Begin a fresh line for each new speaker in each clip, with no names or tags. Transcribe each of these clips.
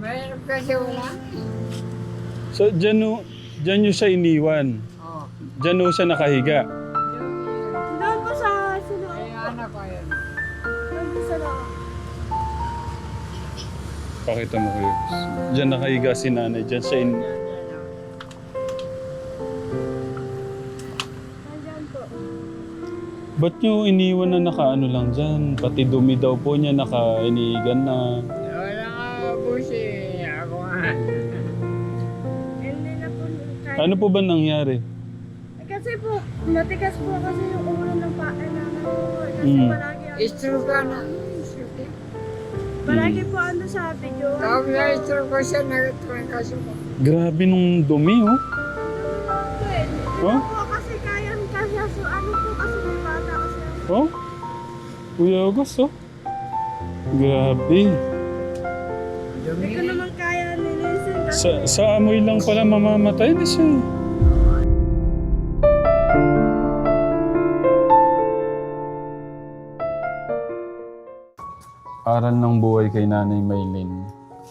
Mayroon kasi wala.
So, dyan nyo siya iniwan.
Oo.
Dyan ho siya nakahiga.
Doon po sa sino?
Ay, anak ko yun.
Doon po sa loob.
Pakita mo kayo. Dyan nakahiga si nanay. Dyan siya
Nandyan po.
Ba't nyo iniwan na nakaano lang dyan? Pati dumi daw po niya nakainigan na.
Wala nga busi. Ako nga.
Hindi na po kaya.
Ano po ba nangyari?
Kasi po, matigas po kasi yung ulo ng paa namin po. Kasi
Mm.
palagi
Stroke ka na. Stroke.
palagi po ano sabi nyo.
Tawag na stroke ko siya. Nagatuan kasi ko.
Grabe nung dumi, oh. Oh?
Po kasi kaya so ano po kasi may bata kasi ako.
Oh? Kuya August, oh. Grabe.
Hindi ko naman kaya nilisin kasi
Sa amoy lang pala mamamatay na siya. Aral ng buhay kay Nanay Maylin.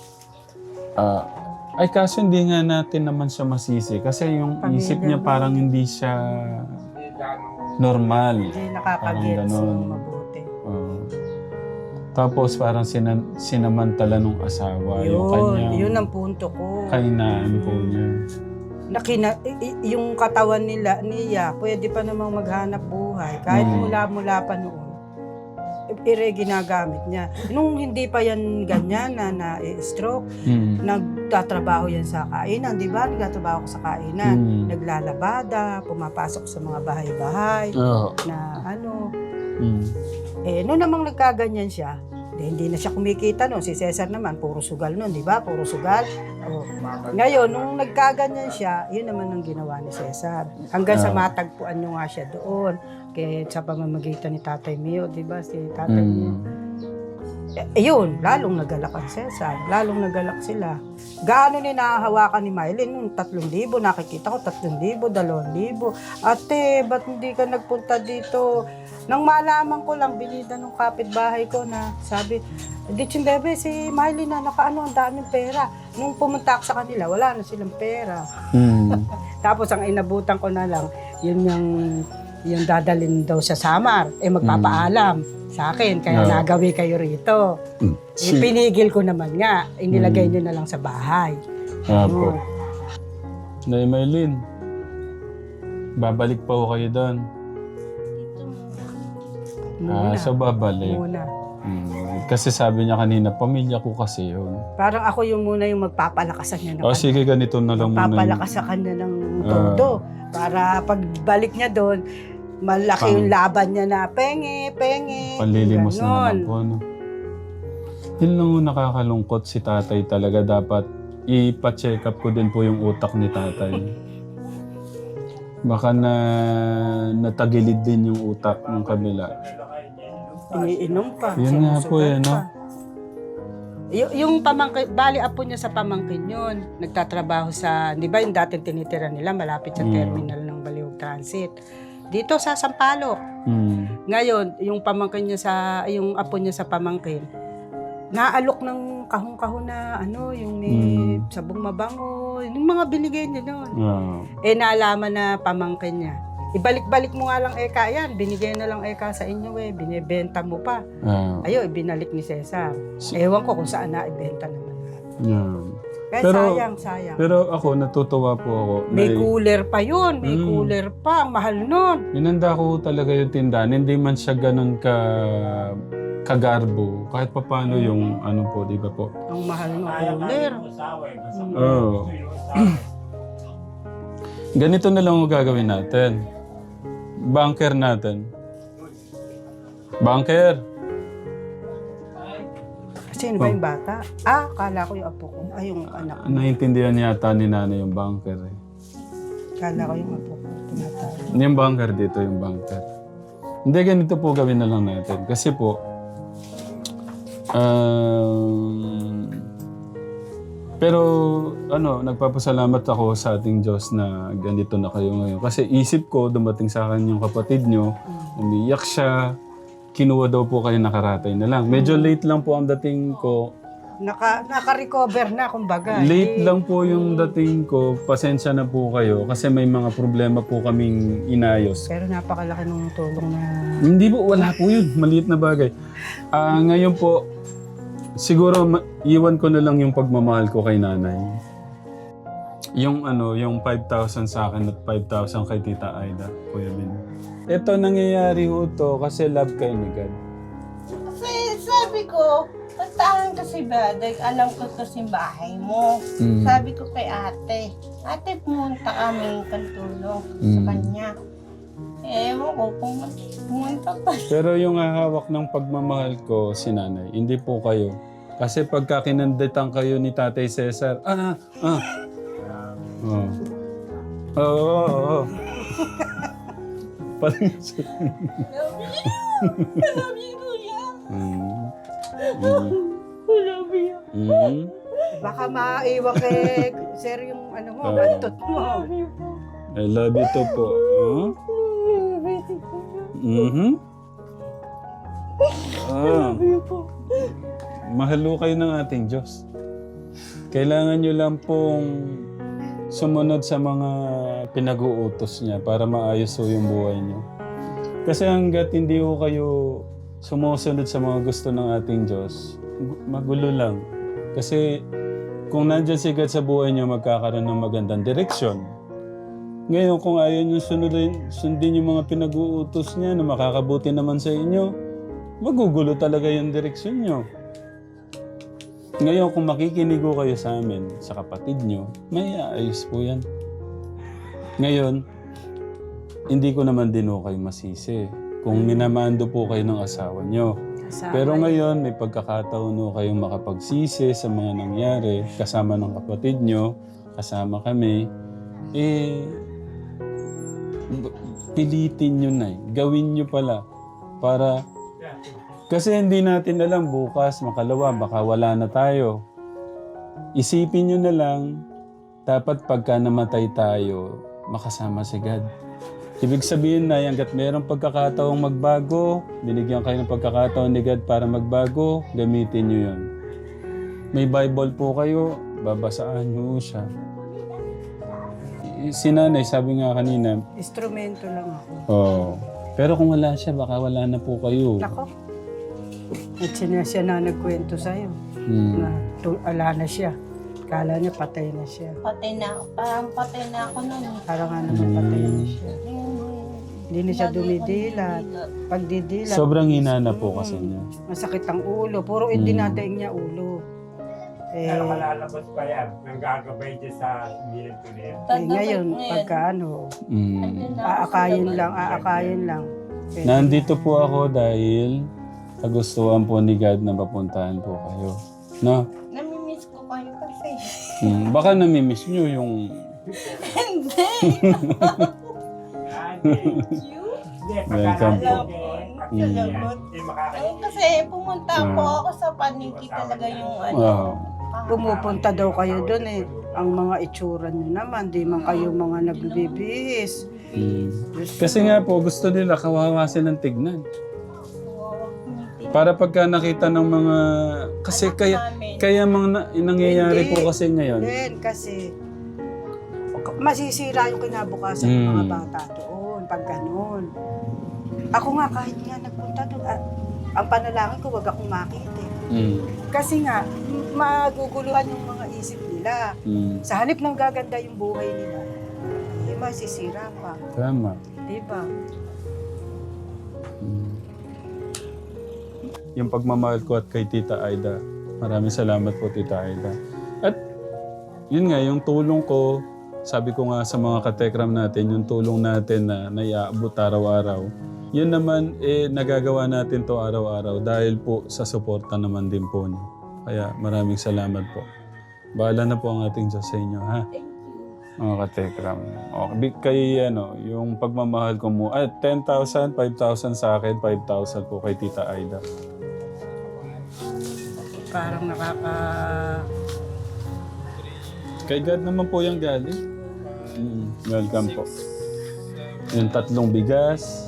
Ay kaso hindi nga natin naman siya masisi kasi yung isip niya parang hindi siya normal.
Hindi
Parang
nakakagets
ganon.
ng mabuti.
Oo. Tapos parang sinamantala nung asawa yung kanya.
Yun ang punto ko.
Kainaan po niya.
Yung katawan niya, pwede pa namang maghanap buhay. Kahit mula-mula pa noon. Ginagamit niya. Nung hindi pa yan ganyan na-stroke, nagtatrabaho yan sa kainan, di ba? Nagtatrabaho ko sa kainan. Naglalabada, pumapasok sa mga bahay-bahay,
Oo.
na ano. Noon namang nagkaganyan siya, hindi na siya kumikita noon. Si Cesar naman, puro sugal noon, di ba? Puro sugal. Ngayon, nung nagkaganyan siya, yun naman ang ginawa ni Cesar. Hanggang sa matagpuan nyo nga siya doon. Kaya sa pamamagitan ni Tatay Mio, di ba? Si Tatay Mio. Yun, lalong nagalak ang Cesar. Lalong nagalak sila. Gaano ni nahahawakan ni Mylene? Nung 3,000, nakikita ko 3,000, 2,000. Ate, ba't hindi ka nagpunta dito? Nang malaman ko lang, binida ng kapitbahay ko na sabi, Ditsin bebe, si Mylene na nakaano, ang daming pera. Nung pumunta ako sa kanila, wala na silang pera. Tapos ang inabutan ko na lang, yun yung dadalhin daw sa Samar, magpapaalam sa akin, kaya nagawi kayo rito. Pinigil ko naman nga, inilagay nyo na lang sa bahay.
Apo. Nay Maylin, babalik pa ho kayo doon. So babalik.
Muna.
Kasi sabi niya kanina, pamilya ko kasi yun.
Parang ako yung muna yung magpapalakasan niya.
Sige, ganito na lang muna.
Magpapalakasan kanya ng todo. Para pagbalik niya doon, malaki yung laban niya na penge.
Panlilimos na
ganon.
naman po. No? Yun lang yung nakakalungkot si tatay talaga. Dapat ipa-check up ko din po yung utak ni tatay. Baka natagilid din yung utak ng kabila.
Iniinom pa.
Yun nga po
sinusugat
yan, no?
pa. Yung pamangkin, bali apo niya sa pamangkin yun. Nagtatrabaho sa, di ba yung dating tinitira nila malapit sa terminal ng Baliwag Transit. Dito sa Sampaloc. Ngayon, yung pamangkin niya yung apo niya sa pamangkin, naalok ng kahon-kahon na yung may sabong mabango, yung mga binigay niya noon. Naalaman na pamangkin niya. Ibalik-balik mo nga lang eka yan, binigay na lang eka sa inyo binibenta mo pa. Ibinalik ni Cesar. Ewan ko kung saan na ibenta naman. Kaya sayang.
Pero ako, natutuwa po ako.
May cooler pa yun, may cooler pa, ang mahal nun.
Inanda ko talaga yung tindahan. Hindi man siya ganun kagarbo. Kahit pa paano yung ano po, di ba po?
Ang mahal ng cooler.
Oo. Ganito na lang ang gagawin natin. Bunker natin. Bunker!
Sino ba yung bata? Kala ko yung apo ko. Yung anak ko.
Naintindihan yata ni nanay yung bunker eh.
Kala ko yung apo ko. Tinatawag.
Yung bunker dito, yung bunker. Hindi, ganito po gawin na lang natin. Kasi po, pero nagpapasalamat ako sa ating Diyos na ganito na kayo ngayon. Kasi isip ko, dumating sa akin yung kapatid nyo, umiyak siya, kinuha daw po kayo nakaratay na lang. Medyo late lang po ang dating ko
naka-recover na, kumbaga.
Late lang po yung dating ko. Pasensya na po kayo kasi may mga problema po kaming inayos.
Pero napakalaki ng tulong na...
Hindi po, wala po yun. Maliit na bagay. Ngayon po, siguro iwan ko na lang yung pagmamahal ko kay nanay. Yung yung 5,000 sa akin at 5,000 kay Tita Aida, Kuya Bin. Ito nangyayari ho to kasi love kayo ni God.
Kasi sabi ko, puntahan kasi ba, dahil alam ko to bahay mo. Sabi ko kay ate, pumunta kami kantulong sa kanya. Ewan ko kung pumunta pa.
Pero yung hahawak ng pagmamahal ko si nanay, hindi po kayo. Kasi pagka kinanditan kayo ni Tatay Cesar, Oo. Parang
Love you, kuya. Love you.
Baka maiwa kay sir yung bantot mo.
I love you too po. Mahalo kayo ng ating Diyos. Kailangan nyo lang pong sumunod sa mga pinag-uutos niya para maayos ho yung buhay niyo. Kasi hanggat hindi ho kayo sumusunod sa mga gusto ng ating Diyos, magulo lang. Kasi kung nandyan si God sa buhay niyo, magkakaroon ng magandang direksyon. Ngayon, kung ayaw niyo sundin yung mga pinag-uutos niya na makakabuti naman sa inyo, magugulo talaga yung direksyon niyo. Ngayon, kung makikinig ko kayo sa amin, sa kapatid nyo, may aayos po yan. Ngayon, hindi ko naman din ho kayo masisi kung minamando po kayo ng asawa nyo. Pero ngayon, may pagkakataon ho kayong makapagsisi sa mga nangyari, kasama ng kapatid nyo, kasama kami, pilitin nyo na gawin nyo pala para... Kasi hindi natin alam bukas, makalawa, baka wala na tayo. Isipin nyo na lang, dapat pagka namatay tayo, makasama si God. Ibig sabihin na, hanggat mayroong pagkakataong magbago, binigyan kayo ng pagkakataon ni God para magbago, gamitin nyo yun. May Bible po kayo, babasaan nyo siya. Si nanay, sabi nga kanina,
Instrumento lang ako.
oh, pero kung wala siya, baka wala na po kayo.
Nako. At siya na nagkwento sa'yo. Na ala na siya. Kala niya patay na siya.
Patay na, parang patay na ako nun.
Parang nga naman patay na siya. Hindi na siya dumidilat. Pagdidilat.
Sobrang hina na po kasi niya.
Masakit ang ulo. Puro idinadaing niya ulo.
Pero malalabas pa yan. Nanggagabay niya sa milyon.
Ngayon, pagka aakayin lang.
Nandito po ako dahil kagustuhan po ni God na mapuntahan po kayo. No?
Namimiss ko kayo kasi.
Baka namimiss nyo yung...
Hindi.
Welcome po.
Salamat. Kasi pumunta po ako sa paniki talaga yung
Pumupunta daw kayo doon eh. Ang mga itsura nyo naman, di man kayo mga nagbibihis.
Kasi nga po, gusto nila kawawa silang tignan. Para pagka nakita ng mga... Kasi kaya mga nangyayari po kasi ngayon.
Then, kasi masisira yung kinabukasan ng mga bata doon, pag ganun. Ako nga, kahit nga nagpunta doon, ang panalangin ko, wag akong makita. Kasi nga, maguguluhan yung mga isip nila. Sa halip ng gaganda yung buhay nila, masisira pa.
Tama.
Diba?
Yung pagmamahal ko at kay Tita Aida. Maraming salamat po, Tita Aida. At yun nga, yung tulong ko, sabi ko nga sa mga katekram natin, yung tulong natin na naiaabot araw-araw, yun naman, nagagawa natin to araw-araw dahil po sa suporta naman din po niyo. Kaya maraming salamat po. Bahala na po ang ating Diyos sa inyo, ha? Mga katekram. Okay, kay yung pagmamahal ko mo, 10,000, 5,000 sa akin, 5,000 po kay Tita Aida.
Parang
Kay God naman po yung galing. Welcome po. Yung 3 bigas,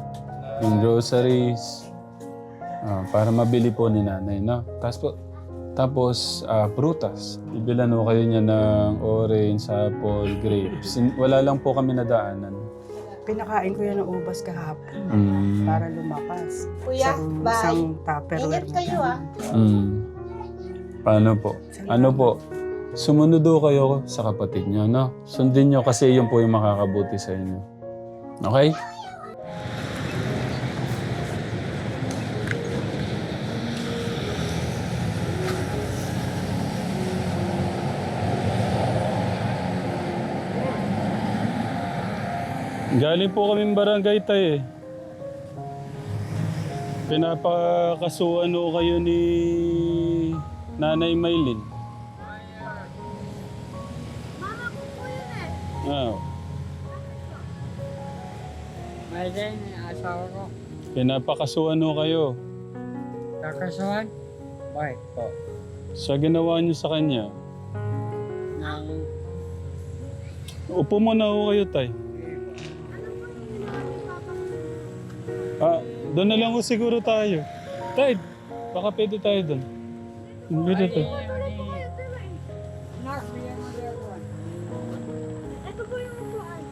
yung groceries, para mabili po ni nanay, no? Tapos po, Tapos, prutas. Ibilan ho kayo niya ng orange, apple, grapes. Wala lang po kami nadaanan.
Pinakain ko yan ng ubas kahapon para lumakas.
Kuya, bye.
Isang tupperware.
Ingat kayo ah.
Paano po? Ano po? Sumunod ho kayo sa kapatid niyo, no? Sundin niyo kasi yun po yung makakabuti sa inyo. Okay? Galing po kaming barangay tayo eh. Pinapakasuhan ho kayo ni Nanay Maylin.
Mama ko po yun eh.
Ah,
Maylin, asawa ko.
pinapakasuhan ho kayo.
Kakasuhan? Bakit po?
Sa ginawa niyo sa kanya.
Nang
Upo muna ho kayo, tay. Doon na lang ho siguro tayo. Tay, baka pwede tayo doon. Dito to.
Nak, bigyan mo din ako.
Ito po yung upuan.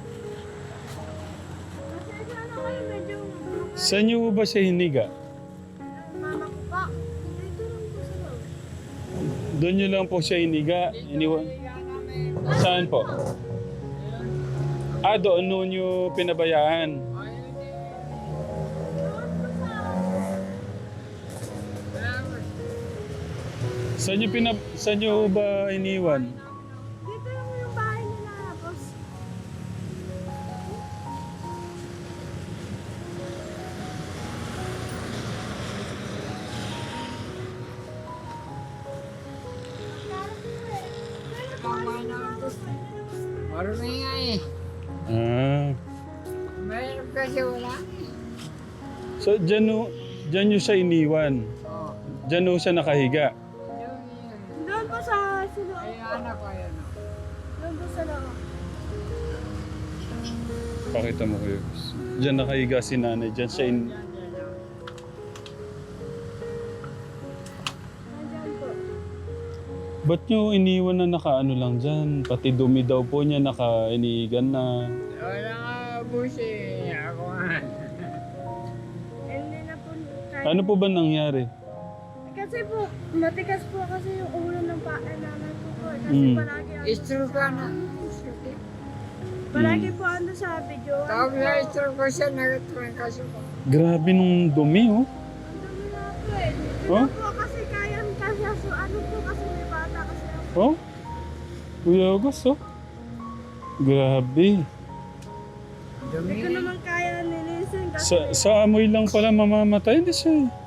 Kasi ano kayo medyo
Saan niyo ba siya hiniga?
mama ko pa. Dito lang po sa loob.
Doon niyo lang po siya hiniga. Iniwan. Saan po? Doon noon niyo pinabayaan. Saan niyo ba iniwan?
Dito lang yung bahay nila, boss.
Marumi nga eh. Mayroon kasi wala.
So, dyan nyo siya iniwan.
Oo.
Dyan ho siya nakahiga.
Doon po sa loob.
Ay, anak ko yan.
Doon po sa loob.
Pakita mo kayo. Dyan nakahiga si nanay. Dyan siya
Nandyan po.
Ba't nyo iniwan na nakaano lang dyan? Pati dumi daw po niya nakainigan na.
Wala nga busi. Ako nga.
Hindi na po kahit.
Ano po ba nangyari?
Kasi po, matigas po kasi yung ulo ng nanay ko po. Kasi
Mm.
palagi
Stroke ka na.
palagi po ando sa video.
Tawag na stroke ko siya. Nagatuan kasi ko.
Grabe nung dumi, oh.
Ang dami na po eh. Hindi
Oh?
na po kasi kaya kasi so ano po kasi may bata kasi ako.
Oh? Kuya August, oh. Grabe.
Hindi ko naman kaya nilisin kasi
Sa amoy lang pala mamamatay. Hindi siya, eh.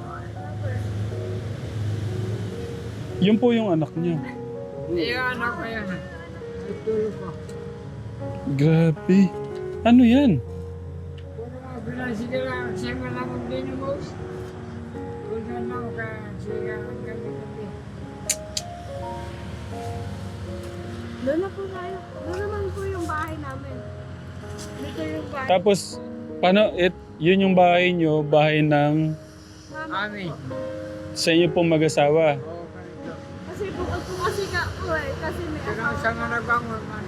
Yun po yung anak niya.
Iyo, anak ko yan. Tutulog ko.
Grabe. Ano yan?
Puro mga binasige lang. Siya malamang din yung mouse. Tulad lang ka. Siya ang gabi-gabi.
doon na po tayo. Doon naman po yung bahay namin. Dito yung bahay.
Tapos, paano, yun yung bahay nyo, bahay ng
Mama.
Amin.
sa inyo pong mag-asawa.
Oo, ganito.
Kasi bukod po kasi ka po eh. Kasi may
Pero
asawa.
sa mga nagbangon, naman.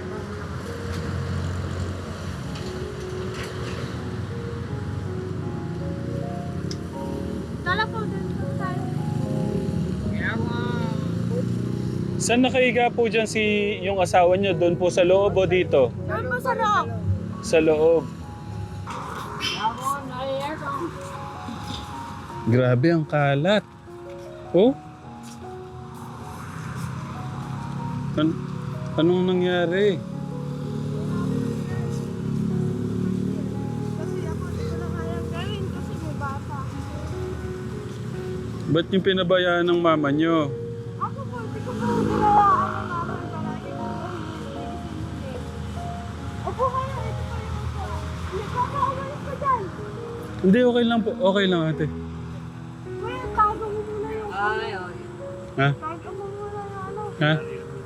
Tala po, doon po tayo.
Kaya mga
Saan nakahiga po dyan yung asawa nyo? Doon po sa loob o dito?
Doon po sa loob.
Sa loob.
ako, naiyak ako.
Grabe ang kalat. Oh? Anong nangyari?
Kasi ako hindi ko na kaya gawin kasi may bata.
Ba't yung pinabayaan ng mama nyo?
Ako po, hindi ko po ginawaan ng mama. Palagi ko po hindi. Opo kayo, ito po yung upo. Hindi ko pa umalis ko dyan.
Hindi, okay lang po. Okay lang ate.
Kuya, tago mo muna yung
Ay, ay.
Ha?
tago mo muna yung ano.
Ha?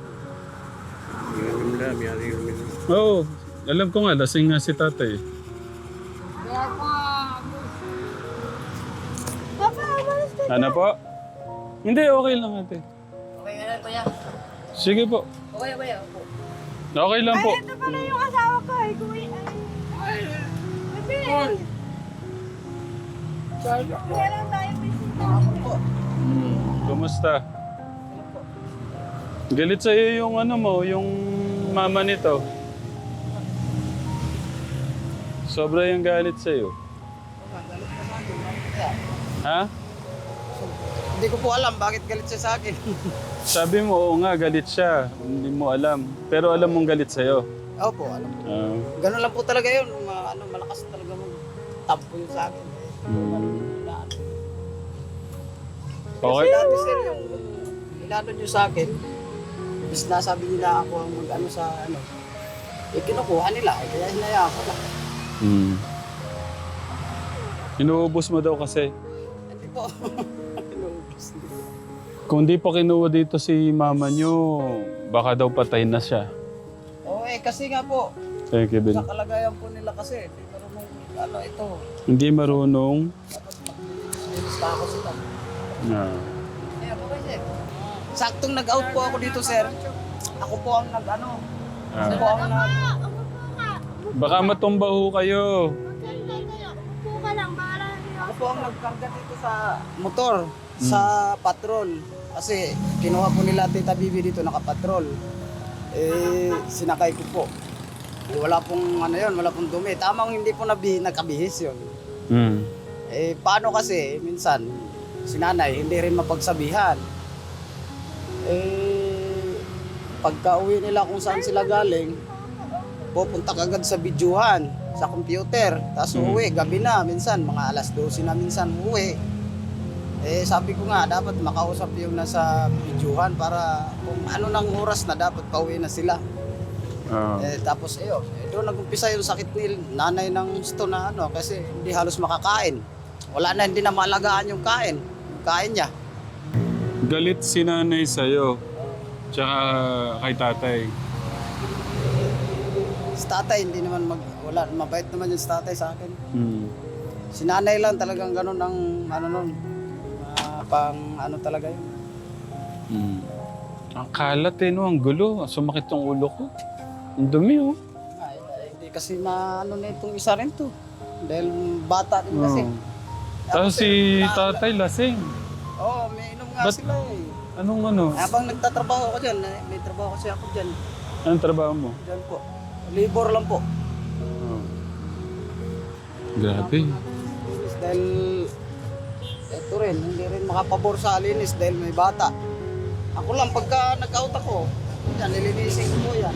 Oo. Alam ko nga, lasing nga si tatay.
Kaya ako nga,
Papa, umalis ka.
Ano po? Hindi, okay lang ate. Sige po.
Okay, opo.
Okay lang po.
Ito pala yung asawa ko eh. Baby! Meron tayo bisita.
Kumusta? Galit sa'yo yung ano mo, yung mama nito. Sobra yung galit sa'yo. Ha?
Hindi ko po alam bakit galit siya sa akin.
Sabi mo, oo nga, galit siya. Hindi mo alam. Pero alam mong galit sa'yo.
Opo, alam ko. Ganun lang po talaga yun. Malakas talaga tampo yun sa akin.
Okay.
Kasi dati sir, yung inano nyo sa akin, bis nasabi nila ako ang mag-ano sa ano, kinukuha nila, kaya hinayaan ko lang.
Inuubos mo daw kasi.
Hindi po. Inuubos.
Kung di pa kinuha dito si mama nyo, baka daw patay na siya.
Oo kasi nga po,
Thank you, Ben.
sa kalagayan po nila kasi, hindi marunong ano ito,
Hindi marunong.
dapat mag-linis pa ako sila. Kaya po kasi, saktong nag-out po ako dito sir, ako po ang nag-ano, ako po ang
Baka matumba ho kayo.
Upo ka lang, bahala niyo.
Ako po ang nagkarga dito sa motor, sa patrol. Kasi kinuha po nila Tita Bibi dito nakapatrol. Sinakay ko po. Wala pong ano yun, wala pong dumi. Tamang hindi po nagkabihis yun. Paano kasi, minsan, si nanay hindi rin mapagsabihan. Pagka uwi nila kung saan sila galing, pupunta kagad sa bidyuhan, sa computer. Tapos uuwi, gabi na, minsan, mga alas 12 na minsan uuwi. Sabi ko nga, dapat makausap yung nasa bidyuhan para kung ano nang oras na dapat pauwi na sila. Tapos doon nag-umpisa yung sakit ni nanay ng gusto na ano, kasi hindi halos makakain. Wala na, hindi na maalagaan yung kain niya.
Galit si nanay sa'yo. Tsaka kay tatay.
Si tatay, hindi naman wala, mabait naman yung si tatay sa akin. Si nanay lang talagang ganun ang ano nun, pang ano talaga yun.
Ang kalat no, ang gulo. Sumakit yung ulo ko. Ang dumi
Hindi kasi na ano na itong isa rin to. Dahil bata din kasi.
Tapos si tatay lasing.
Oo, may inom nga sila eh.
Anong ano?
Habang nagtatrabaho ako dyan, may trabaho kasi ako dyan.
Anong trabaho mo?
Dyan po. Labor lang po.
Grabe.
Dahil ito rin, hindi rin makapabor sa linis dahil may bata. Ako lang, pagka nag-out ako, yan, nilinisin ko po yan.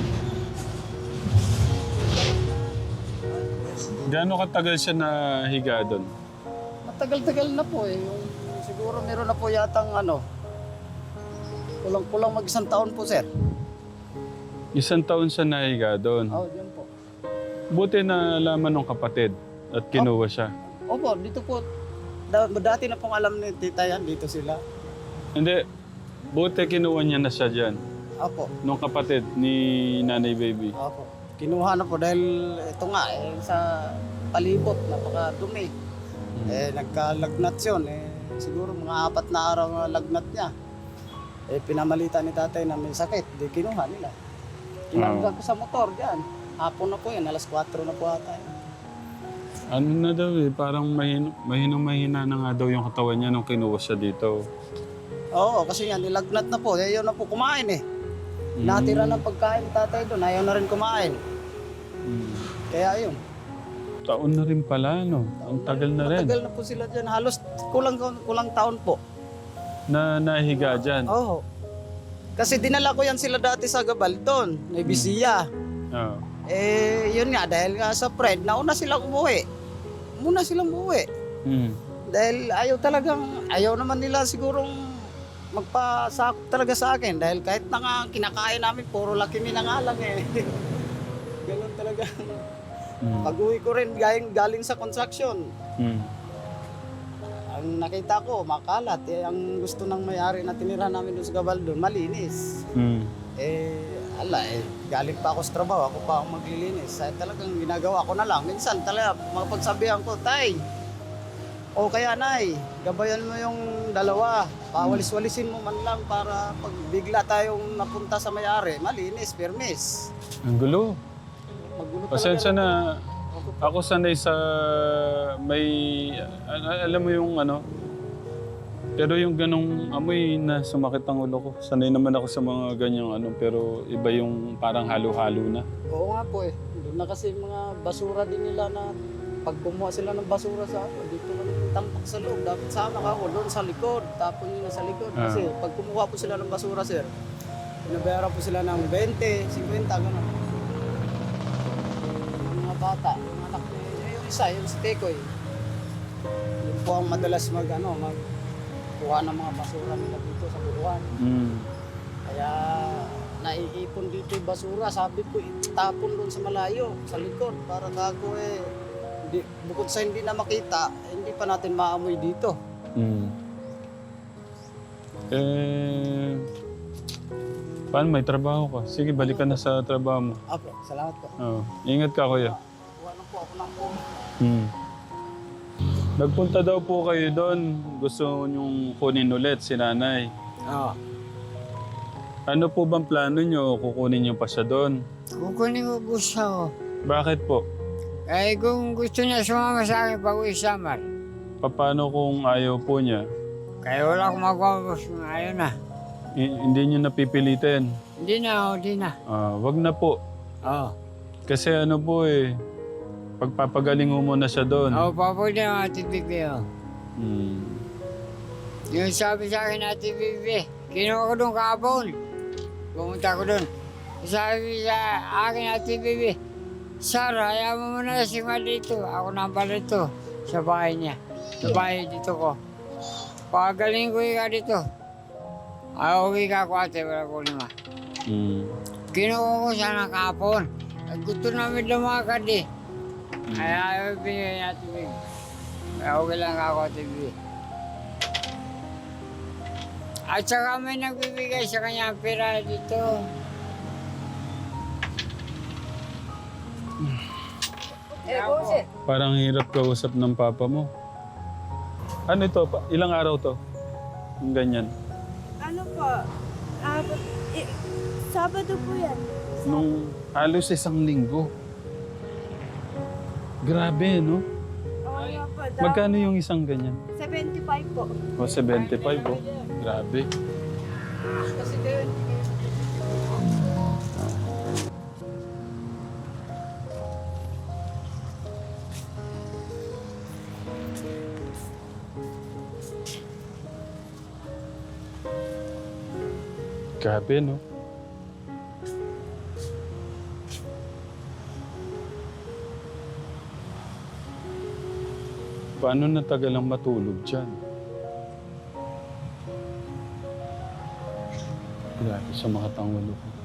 Gaano katagal siya nahiga doon?
Matagal-tagal na po eh. Siguro meron na po yatang ano, kulang-kulang mag-1 taon po, sir.
1 taon siya nahiga doon.
Oo, dyan po.
Buti na laman ng kapatid at kinuha siya.
Opo, dito po. Dati na pong alam ni tita yan, dito sila.
Hindi, buti kinuha niya na siya dyan.
Opo.
Nung kapatid ni Nanay Baby.
Opo. Kinuha na po dahil ito nga, sa palibot, napakadumi. Nagkalagnat yun. Siguro mga 4 na araw na lagnat niya. Pinamalita ni tatay na may sakit, di kinuha nila. Kinangga ko sa motor dyan. Hapon na po yun, alas 4 na po ata.
Ano na daw parang mahina na nga daw yung katawan niya nung kinuha siya dito.
Oo, kasi yan, nilagnat na po. Ayaw na po kumain eh. Natira ng pagkain ni tatay doon, ayaw na rin kumain. Kaya yun.
Taon na rin pala, no? Ang tagal na rin.
Matagal na po sila dyan. Halos kulang taon po.
Na nahiga dyan.
Oo. Kasi dinala ko yan sila dati sa Gabal doon, may Bisiya.
Oo.
Yun nga, dahil nga sa Fred, nauna silang umuwi. Muna silang umuwi. Dahil ayaw naman nila sigurong magpasakop talaga sa akin. Dahil kahit na nga kinakain namin, puro laki minangalang eh. Ganun talaga. Pag-uwi ko rin galing sa construction. Ang nakita ko, makalat. Ang gusto ng may-ari na tinira namin doon sa Gabal doon, malinis. Galing pa ako sa trabaho, ako pa ang maglilinis. Talagang ginagawa ko na lang. Minsan talaga, mapagsabihan ko, tay, O kaya nay, gabayan mo yung dalawa. Pawalis-walisin mo man lang para pag bigla tayong napunta sa may-ari, malinis, permis.
Ang gulo.
Magulo
Pasensya na. Ako sanay sa may... alam mo yung ano? Pero yung ganong amoy na sumakit ang ulo ko. Sanay naman ako sa mga ganyang ano. Pero iba yung parang halo-halo na.
Oo nga po eh. Doon na kasi mga basura din nila na pag kumuha sila ng basura sa ako, dito na tampak sa loob. Dapat sama ka ako doon sa likod. Tapon nyo na sa likod. Kasi pag kumuha po sila ng basura, sir, pinabayaran po sila ng 20, 50, gano'n. Yung mga bata, yung anak ni, yung isa, yung si Tekoy. Yun po ang madalas magkuha ng mga basura nila dito sa buruan. Kaya naiipon dito yung basura. Sabi ko, itapon doon sa malayo, sa likod. Para gago bukod sa hindi na makita, hindi pa natin maamoy dito.
Paano may trabaho ka? Sige, balik ka na sa trabaho mo.
Apo, salamat po.
Ingat ka, kuya.
Kuha lang po ako ng phone.
Nagpunta daw po kayo doon. Gusto niyong kunin ulit si nanay.
Oo.
Ano po bang plano niyo? Kukunin niyo pa siya doon?
Kukunin ko gusto ko.
Bakit po?
Eh kung gusto niya sumama sa akin pag-uwi sa Samar,
Paano kung ayaw po niya?
kaya wala akong magawa boss. Ayaw na.
Hindi niyo napipilitin?
Hindi na.
Wag na po.
Oo.
Kasi ano po eh, pagpapagaling mo muna siya doon.
Oo, papunta ng Ate Bibi. Yung sabi sa akin Ate Bibi, kinuha ko doon kahapon. Pumunta ko doon. Sabi sa akin Ate Bibi, Sir, hayaan mo muna si Ma dito. Ako na pala dito sa bahay niya. Sa bahay dito ko. Pagaling ko ka dito. Uwi ka ko ate, wala ko lima. Kinuha ko siya ng kahapon. Gusto namin lumakad eh. Kaya ayaw bigay Ate Bibi. Kaya okay lang ako Ate Bibi. At saka may nagbibigay sa kanya ang pera dito.
Parang hirap kausap ng papa mo. Ano ito? Ilang araw to? Yung ganyan.
Ano po? Sabado po yan.
Nung halos 1 linggo. Grabe, no?
Oo nga po.
Magkano yung isang ganyan?
75 po.
O, 75, oh. Grabe.
Kasi kayo,
Grabe, no? Paano natagal ang matulog dyan? Grabe, sumakit ang ulo ko.